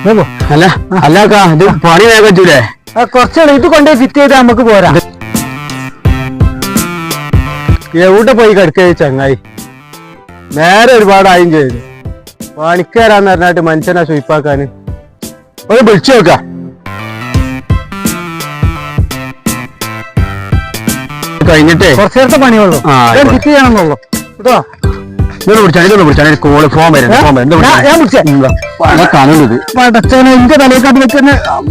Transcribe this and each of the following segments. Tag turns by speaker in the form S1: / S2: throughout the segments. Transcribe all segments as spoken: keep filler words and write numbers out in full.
S1: അല്ല അല്ല ഇത് പണി വേഗം പറ്റൂലേ?
S2: കുറച്ചാണ് ഇത് കൊണ്ടേ ഫിറ്റ് ചെയ്താൽ നമുക്ക് പോരാ.
S1: എവിടെ പോയി കിടക്കുക ചങ്ങായി? നേരെ ഒരുപാടായും ചെയ്തു. പണിക്കാരാന്ന് പറഞ്ഞാട്ട് മനുഷ്യനെ സ്വീപ്പാക്കാന് ഒരു വിളിച്ചു നോക്കാം. കഴിഞ്ഞിട്ടേ
S2: കുറച്ചു നേരത്തെ പണിയുള്ളൂ, ഫിറ്റ് ചെയ്യണമെന്നുള്ളൂ കേട്ടോ.
S1: ഇതൊന്ന് വിളിച്ചാൽ ഇതൊന്ന് വിളിച്ചാൽ കോള് ഫോൺ വരുന്നത് ഫോൺ വരുന്നത്
S2: ഞാൻ വിളിച്ചേ
S1: കാണുന്നത്
S2: പടച്ചോനെ എന്റെ തലയെക്കാട്ട് വെക്കുന്ന.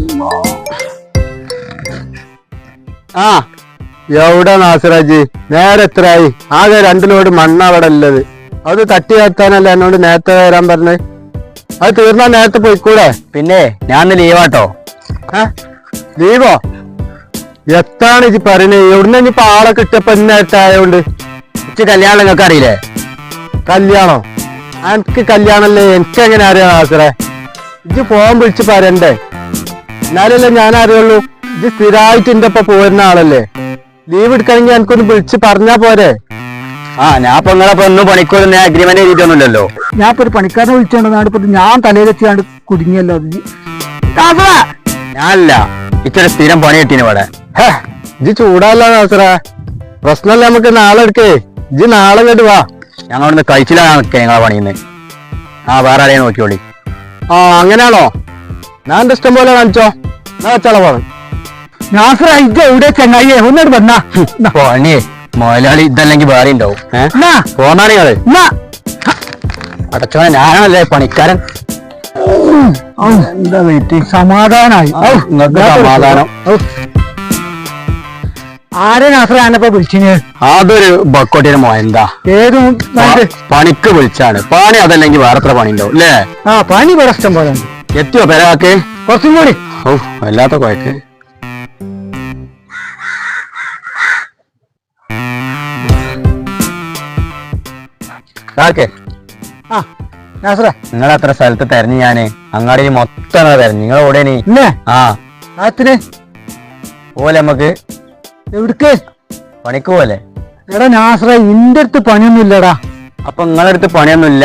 S1: ആ എവിടെ നാസിറാജി? നേരെ എത്രയായി? ആകെ രണ്ടു ലോഡ് മണ്ണ അവിടെ ഉള്ളത്. അത് തട്ടി കത്താനല്ല എന്നോട് നേരത്തെ വരാൻ പറഞ്ഞത്. അത് തീർന്നാ നേരത്തെ പോയിക്കൂടെ?
S3: പിന്നെ ഞാൻ ലീവാട്ടോ.
S1: ലീവോ? എത്താണ് ഇജ്ജ് പറയണേ? എവിടുന്ന ഇനിയിപ്പോ ആളെ കിട്ടിയപ്പോ നേരത്തെ ആയോണ്ട്?
S3: ഇച്ച് കല്യാണം നിങ്ങൾക്ക് അറിയില്ലേ?
S1: കല്യാണോ? എനിക്ക് കല്യാണല്ലേ? എനിക്ക് എങ്ങനെ അറിയാം നാസിറേ? ഇജ്ജ് ഫോൺ വിളിച്ച് പറയണ്ടേ? എന്നാലല്ലേ ഞാൻ അറിയുള്ളൂ. ഇജ്ജ് സ്ഥിരമായിട്ട് എന്റെ ഒപ്പം പോരുന്ന ആളല്ലേ. ലീവ് എടുക്കണമെങ്കിൽ എനിക്കൊന്ന് വിളിച്ച് പറഞ്ഞാ പോരെ?
S3: ആ ഞാൻ ഇപ്പൊ നിങ്ങളെ ഒന്നും പണിക്കൊന്നും അഗ്രിമെന്റ് എഴുതിയിട്ടൊന്നുമില്ലല്ലോ.
S2: ഞാൻ ഇപ്പൊ ഒരു പണിക്കാരനെ വിളിച്ചോണ്ട് നാടിപ്പോ ഞാൻ തലയിലെത്തിയാണ്ട് കുടുങ്ങിയല്ലോ.
S3: ഞാനല്ല, ഇച്ചിരി സ്ഥിരം പണി കിട്ടീന് ഇവിടെ.
S1: ഇജ്ജ് ചൂടല്ല നാസിറേ, പ്രശ്നമല്ല. നമുക്ക് നാളെ എടുക്കേ. ഇജ്ജ് നാളെ കേട്ട് വാ.
S3: ഞങ്ങളവിടുന്ന് കഴിച്ചിലാണ് നിൽക്കുക നിങ്ങളെ പണിയുന്ന്. ആ വേറെ ആരെയും നോക്കിയോളി.
S1: ആ അങ്ങനെയാണോ? ഞാൻ എന്റെ ഇഷ്ടം പോലെ കാണിച്ചോ. ഞാൻ വെച്ചാളെ പോണം.
S2: നാസിറ ഇത് എവിടെ ചങ്ങായി? ഒന്നോട് വന്നാ
S3: പണി മുതലാളി ഇതല്ലെങ്കിൽ വേറെ ഉണ്ടാവും. പോന്നാ നിങ്ങള് അടച്ചോനെ, ഞാനല്ലേ പണിക്കാരൻ.
S2: എന്താ വെയിറ്റ്? സമാധാനായി.
S3: സമാധാനം.
S2: ആരെ നാസിറ ഞാനിപ്പോ വിളിച്ചിന്?
S3: അതൊരു ബക്കോട്ടിയുടെ മോ. എന്താ
S2: ഏത്
S3: പണിക്ക് വിളിച്ചാണ്? പണി അതല്ലെങ്കിൽ വേറെ എത്ര പണി ഉണ്ടാവും അല്ലേ?
S2: ആ പണി ഇവിടെ ഇഷ്ടം പോലെ
S3: എത്തിയോ പെരാക്ക്?
S2: കുറച്ചും കൂടി.
S3: ഓ വല്ലാത്ത കുഴക്ക്.
S2: ആ നാസിറ
S3: നിങ്ങളെത്ര സ്ഥലത്ത് തെരഞ്ഞു ഞാന്? അങ്ങാടി മൊത്തം തെരഞ്ഞു. നിങ്ങൾ ഓടേ നീ? ആ
S2: ആത്തിന്
S3: പോലെ നമ്മക്ക്
S2: എവിടക്ക്
S3: പണിക്ക് പോലെ.
S2: എടാ നാസിറ ഇന്റെ അടുത്ത് പണിയൊന്നും ഇല്ലടാ.
S3: അപ്പൊ നിങ്ങളുടെ അടുത്ത് പണിയൊന്നുമില്ല?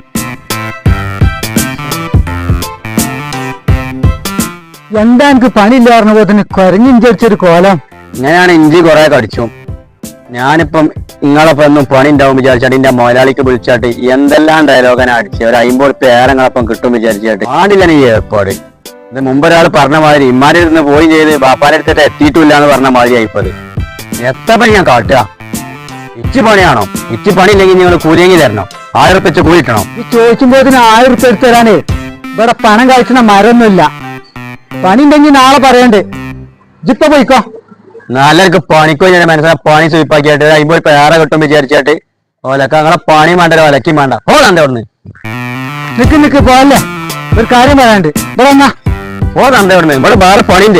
S2: എന്താ എനിക്ക് പണിയില്ല പറഞ്ഞ പോലെ തന്നെ കുരഞ്ഞിഞ്ചടിച്ചൊരു കോലം.
S3: ഇങ്ങനെയാണ് ഇഞ്ചി കുറെ കടിച്ചു. ഞാനിപ്പം നിങ്ങളൊപ്പം ഒന്നും പണി ഉണ്ടാവും വിചാരിച്ചാട്ട് എന്റെ മുതലാളിക്ക് വിളിച്ചാട്ട് എന്തെല്ലാം ഡയലോഗാണ് അടിച്ച് ഒരു അമ്പത് പേരങ്ങളൊപ്പം കിട്ടും വിചാരിച്ചാട്ട് പാടില്ല ഈ ഏർപ്പാട്. ഇത് മുമ്പ് ഒരാൾ പറഞ്ഞ മാതിരി ഇമ്മാരുടെ അടുത്ത് പോയി ചെയ്ത് ബാപ്പാന്റെ അടുത്തിട്ട് എത്തിയിട്ടില്ല എന്ന് പറഞ്ഞ മാതിരി ആയിപ്പത്. എത്ര പണി ഞാൻ കാട്ടുക? ഇച്ചി പണിയാണോ? ഇച്ചി പണി ഇല്ലെങ്കിൽ നിങ്ങൾ കൂലിയെങ്കിൽ തരണം. ആയിരം ഉറുപ്പിക കൂലി കിട്ടണം.
S2: ഈ ചോദിക്കുമ്പോഴത്തിന് ആയിരം ഉറുപ്പിക എടുത്തു തരാനേ ഇവിടെ പണം കഴിച്ചുന്ന മരമൊന്നുമില്ല. പണി ഉണ്ടെങ്കിൽ നാളെ പറയണ്ടേ. ജിപ്പ പോയിക്കോ.
S3: നല്ലവർക്ക് പണിക്കോ ഞാൻ മനസ്സിലാ പണി സ്വീപ്പാക്കിയായിട്ട് അമ്പത് പേരെ കിട്ടും വിചാരിച്ചാട്ട് ഓലക്ക അങ്ങനെ പണി വേണ്ട ഒലക്കും വേണ്ട. ഓടാണ്ട് അവിടുന്ന്
S2: നിക്ക് നിക്ക് പോവല്ലേ, ഒരു കാര്യം പറയാണ്ട്. ഇവിടെ വന്നാ
S3: ഓടാണ്ട് അവിടുന്ന്. ഇവിടെ വേറെ പണിന്റെ.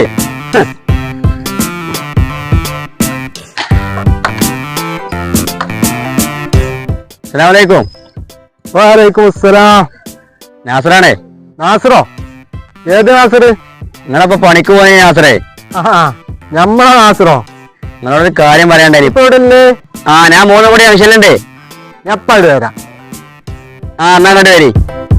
S3: അസ്സലാമലൈക്കും.
S1: വലൈക്കും അസ്സലാം.
S3: നാസറാണേ?
S1: നാസിറോ? ഏത് നാസിറ്?
S3: നിങ്ങളപ്പോ പണിക്ക് പോയ നാസറേ?
S1: ഞമ്മളാ നാസിറോ?
S3: നിങ്ങളോടൊരു കാര്യം പറയാണ്ടായി.
S1: ഇപ്പൊ ഇവിടെ
S3: ആ ഞാൻ മൂന്ന് കൂടി ആവശ്യമുണ്ടേ.
S1: എപ്പാട് വരാം.
S3: ആ എന്നാ കണ്ടു വരി.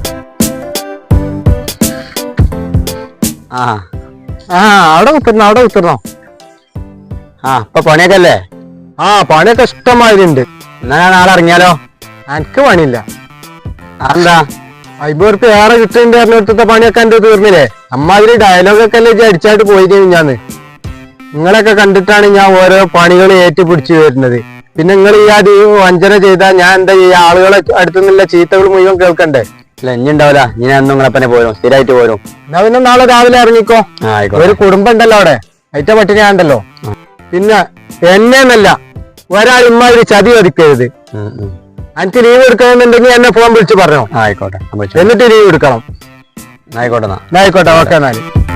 S3: ആ
S1: ആ അവിടെ കുത്തിരണോ? അവിടെ കുത്തിരണോ?
S3: ആ ഇപ്പൊ പണിയൊക്കെ അല്ലേ?
S1: ആ പണിയൊക്കെ ഇഷ്ടമാതിരി ഉണ്ട്.
S3: എന്നാ ഞാൻ നാളെ ഇറങ്ങിയാലോ?
S1: എനിക്ക് പണിയില്ല.
S3: അതെന്താ?
S1: അമ്പത് റുപ്യ ഏറെ കിട്ടുന്നുണ്ട് പറഞ്ഞിടത്തെ പണിയൊക്കെ എന്റെ തീർന്നില്ലേ? അമ്മാതിരി ഡയലോഗൊക്കെ അല്ലേ അടിച്ചായിട്ട് പോയി കഴിഞ്ഞാന്ന്. നിങ്ങളൊക്കെ കണ്ടിട്ടാണ് ഞാൻ ഓരോ പണികൾ ഏറ്റുപിടിച്ചു വരുന്നത്. പിന്നെ നിങ്ങൾ ഈ അത് വഞ്ചന ചെയ്താൽ ഞാൻ എന്താ ഈ ആളുകളെ അടുത്തുനിന്നുള്ള ചീത്തകൾ മുഴുവൻ കേൾക്കണ്ടേ?
S3: അല്ല ഇനി ഉണ്ടാവില്ല. ഇനി അന്നും നിങ്ങളെപ്പനെ പോരും, സ്ഥിരമായിട്ട് പോരും.
S1: എന്നാ പിന്നെ നാളെ രാവിലെ ഇറങ്ങിക്കോ. ഒരു കുടുംബം ഉണ്ടല്ലോ അവിടെ, അയറ്റ പട്ടിണി ഉണ്ടല്ലോ. പിന്നെ എന്നെന്നല്ല ഒരാൾ ഇമ്മാതിരി ചതി ഒതുക്കരുത്. എനിക്ക് ലീവ് എടുക്കണമെന്നുണ്ടെങ്കിൽ എന്നെ ഫോൺ വിളിച്ച് പറഞ്ഞോ.
S3: ആയിക്കോട്ടെ.
S1: എന്നിട്ട് ലീവ് എടുക്കണം.
S3: ആയിക്കോട്ടെ.
S1: ആയിക്കോട്ടെ. ഓക്കെ എന്നാല്.